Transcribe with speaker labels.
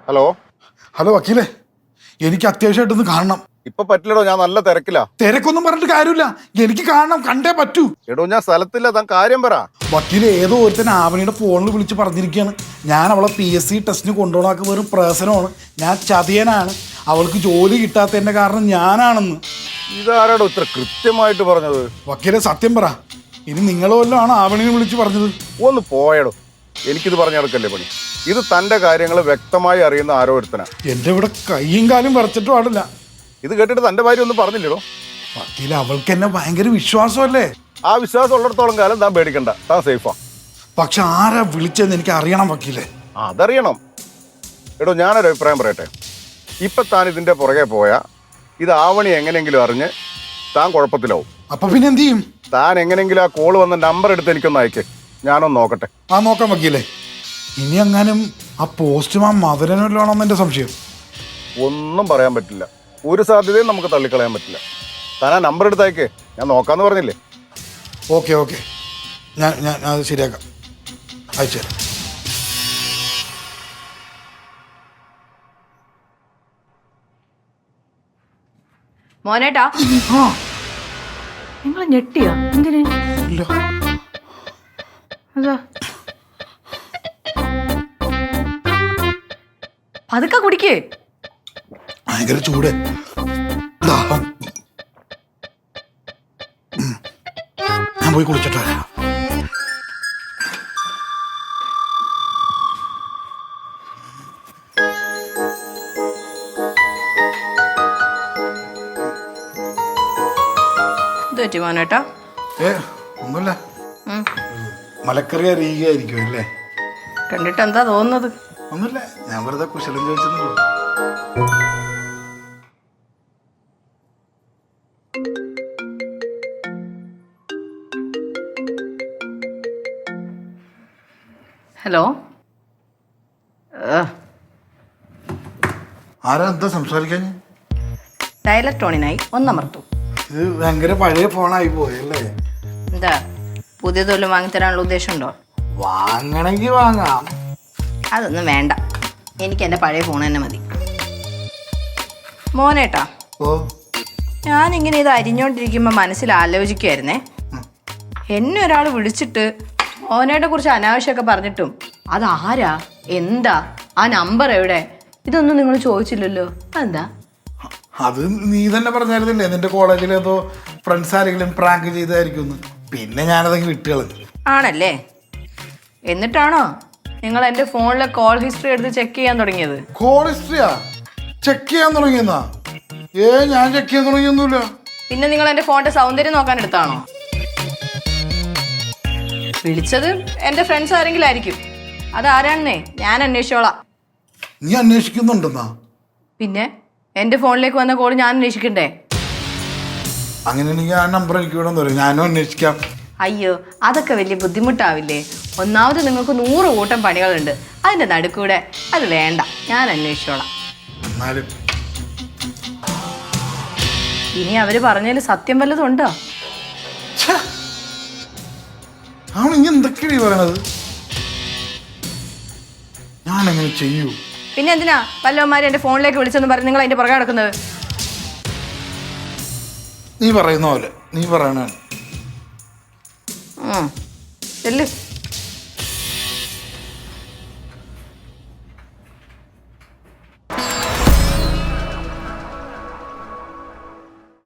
Speaker 1: Hello
Speaker 2: hello വക്കീലേ, എനിക്ക് അത്യാവശ്യമായിട്ടൊന്ന് കാണണം.
Speaker 1: ഇപ്പൊ പറ്റില്ലടോ, ഞാൻ നല്ല തിരക്കില്ല.
Speaker 2: തിരക്കൊന്നും പറഞ്ഞിട്ട് കാര്യമില്ല, എനിക്ക് കാണണം, കണ്ടേ പറ്റൂ.
Speaker 1: എടോ ഞാൻ സ്ഥലത്തില്ല, താൻ കാര്യം പറ.
Speaker 2: വക്കീല് ഏതോ ഒരുത്തൻ ആവണിയുടെ ഫോണിൽ വിളിച്ച് പറഞ്ഞിരിക്കുകയാണ് ഞാൻ അവളെ PSC ടെസ്റ്റിന് കൊണ്ടുപോകാൻ വെറും പ്രശ്നമാണ്, ഞാൻ ചതിയനാണ്, അവൾക്ക് ജോലി കിട്ടാത്തതിന്റെ കാരണം ഞാനാണെന്ന്.
Speaker 1: ഇതാരാടോ ഇത്ര കൃത്യമായിട്ട് പറഞ്ഞത്?
Speaker 2: വക്കീലെ സത്യം പറ, ഇനി നിങ്ങൾ വല്ലതും ആണ് ആവണിനെ വിളിച്ച് പറഞ്ഞത്?
Speaker 1: ഒന്ന് പോയടോ, എനിക്കിത് പറഞ്ഞു നടക്കല്ലേ പണി. ഇത് തന്റെ കാര്യങ്ങൾ വ്യക്തമായി അറിയുന്ന ആരോ ഒരുത്തനാ.
Speaker 2: എന്റെ ഇവിടെ കൈയും കാലും വരച്ചിട്ട് പാടില്ല.
Speaker 1: ഇത് കേട്ടിട്ട് തന്റെ ഭാര്യ ഒന്നും പറഞ്ഞില്ലടോ?
Speaker 2: വക്കീല് അവൾക്ക് എന്നെ ഭയങ്കര വിശ്വാസമല്ലേ.
Speaker 1: ആ വിശ്വാസം ഉള്ളിടത്തോളം കാലം താൻ പേടിക്കണ്ട, താൻ സേഫാ.
Speaker 2: പക്ഷെ ആരാ വിളിച്ചതെന്ന് എനിക്ക് അറിയണം വക്കീലെ.
Speaker 1: അതറിയണം. എടോ ഞാനൊരു അഭിപ്രായം പറയട്ടെ. ഇപ്പൊ താൻ ഇതിന്റെ പുറകെ പോയാ ഇത് ആവണി എങ്ങനെയെങ്കിലും അറിഞ്ഞ് താൻ കുഴപ്പത്തിലാവും.
Speaker 2: അപ്പൊ പിന്നെ എന്ത് ചെയ്യും?
Speaker 1: താൻ എങ്ങനെയെങ്കിലും ആ കോള് വന്ന നമ്പർ എടുത്ത് എനിക്കൊന്ന് അയക്കേ, ഞാനൊന്ന് നോക്കട്ടെ.
Speaker 2: ആ നോക്കാം വക്കീലെ. ഇനി എങ്ങാനും ആ പോസ്റ്റ്മാൻ മധുരനല്ലാണെന്ന് എന്റെ സംശയം.
Speaker 1: ഒന്നും പറയാൻ പറ്റില്ല, ഒരു സാധ്യതയും നമുക്ക് തള്ളിക്കളയാൻ പറ്റില്ല. താൻ ആ നമ്പർ എടുത്ത് അയക്കേ, ഞാൻ നോക്കാന്ന് പറഞ്ഞില്ലേ.
Speaker 2: ഓക്കെ ഓക്കെ, ഞാൻ ഞാൻ അത് ശരിയാക്കാം, അയച്ചു തരാം.
Speaker 3: മോനേട്ടാ, നിങ്ങൾ ഞെട്ടിയോ? എന്തിന്?
Speaker 2: ഇല്ല.
Speaker 3: അതാ പതുക്കെ കുടിക്കേ.
Speaker 2: ഭയങ്കര ചൂട്, ദാഹം. ഞാൻ പോയി കുളിച്ചിട്ട് വരാം.
Speaker 3: ഇത് പറ്റി മോനേട്ടാ?
Speaker 2: ഒന്നുമില്ല, മലക്കറി അറിയുകയായിരിക്കും അല്ലേ?
Speaker 3: കണ്ടിട്ട് എന്താ തോന്നുന്നത്?
Speaker 2: ഒന്നുമില്ല, ഞാൻ വെറുതെ കുശലം ചോദിച്ചെന്നുള്ളൂ.
Speaker 3: ഹലോ,
Speaker 2: ആരാ എന്താ സംസാരിക്കാൻ?
Speaker 3: ഡയലർ ടോണിനായി ഒന്നമർത്തു.
Speaker 2: ഇത് ഭയങ്കര പഴയ ഫോണായി പോയല്ലേ?
Speaker 3: എന്താ പുതിയതൊന്നും വാങ്ങിത്തരാനുള്ള ഉദ്ദേശമുണ്ടോ?
Speaker 2: വാങ്ങണമെങ്കിൽ വാങ്ങാം.
Speaker 3: അതൊന്നും വേണ്ട, എനിക്ക് എൻ്റെ പഴയ ഫോൺ തന്നെ മതി. മോനേട്ടാ,
Speaker 2: ഓ,
Speaker 3: ഞാനിങ്ങനെ ഇത് അരിഞ്ഞോണ്ടിരിക്കുമ്പോൾ മനസ്സിൽ ആലോചിക്കുമായിരുന്നേ, എന്നെ ഒരാൾ വിളിച്ചിട്ട് മോനേട്ടെ കുറിച്ച് അനാവശ്യമൊക്കെ പറഞ്ഞിട്ടും അതാരാ, എന്താ, ആ നമ്പർ എവിടെ, ഇതൊന്നും നിങ്ങൾ ചോദിച്ചില്ലല്ലോ. അതെന്താ?
Speaker 2: അത് നീ തന്നെ പറഞ്ഞായിരുന്നില്ലേ നിന്റെ കോളേജിൽ ഏതോ ഫ്രണ്ട്സ് ആരെങ്കിലും പ്രാങ്ക് ചെയ്തായിരിക്കും. പിന്നെ ഞാനതെങ്കിൽ വിട്ടുകളഞ്ഞു.
Speaker 3: ആണല്ലേ? എന്നിട്ടാണോ നിങ്ങൾ എൻ്റെ ഫോണിലെ കോൾ ഹിസ്റ്ററി എടുത്ത് ചെക്ക് ചെയ്യാൻ തുടങ്ങിയത്?
Speaker 2: കോൾ ഹിസ്റ്ററിയാ ചെക്ക് ചെയ്യാൻ തുടങ്ങിയെന്നാ? ഞാൻ ചെക്ക് ചെയ്യാൻ തുടങ്ങിയൊന്നുമില്ല.
Speaker 3: പിന്നെ നിങ്ങൾ എൻ്റെ ഫോണിന്റെ സൗന്ദര്യം നോക്കാൻ എടുത്താണോ? വിളിച്ചത് എൻ്റെ ഫ്രണ്ട്സ് ആരെങ്കിലും ആയിരിക്കും, അതാരാണെന്നേ ഞാൻ അന്വേഷിച്ചോളാം.
Speaker 2: നീ അന്വേഷിക്കുന്നുണ്ടെന്നാ?
Speaker 3: പിന്നെ എൻ്റെ ഫോണിലേക്ക് വന്ന കോൾ ഞാൻ അന്വേഷിക്കണ്ടേ?
Speaker 2: അങ്ങനെയാണെങ്കിൽ ആ നമ്പർ എനിക്ക് വേണമെന്ന് പറയും, ഞാനും അന്വേഷിക്കാം.
Speaker 3: അയ്യോ, അതൊക്കെ വലിയ ബുദ്ധിമുട്ടാവില്ലേ? ഒന്നാമത് നിങ്ങൾക്ക് 100 കൂട്ടം പണികളുണ്ട്, അതിൻ്റെ നടുക്കൂടെ അത് വേണ്ട, ഞാൻ അന്വേഷിച്ചോളാം.
Speaker 2: എന്നാലും
Speaker 3: ഇനി അവര് പറഞ്ഞതിൽ സത്യം വല്ലതും ഉണ്ടോ?
Speaker 2: അവൻ ഇനി എന്തൊക്കെയാണ് പറയണത്? ഞാനെങ്ങനെ ചെയ്യൂ?
Speaker 3: പിന്നെ എന്തിനാ വല്ലവന്മാരെ എൻ്റെ ഫോണിലേക്ക് വിളിച്ചെന്ന് പറഞ്ഞ് നിങ്ങൾ അതിൻ്റെ പുറകെ നടക്കുന്നത്?
Speaker 2: നീ പറയുന്ന പോലെ നീ പറയണ
Speaker 3: ചെല്ല്.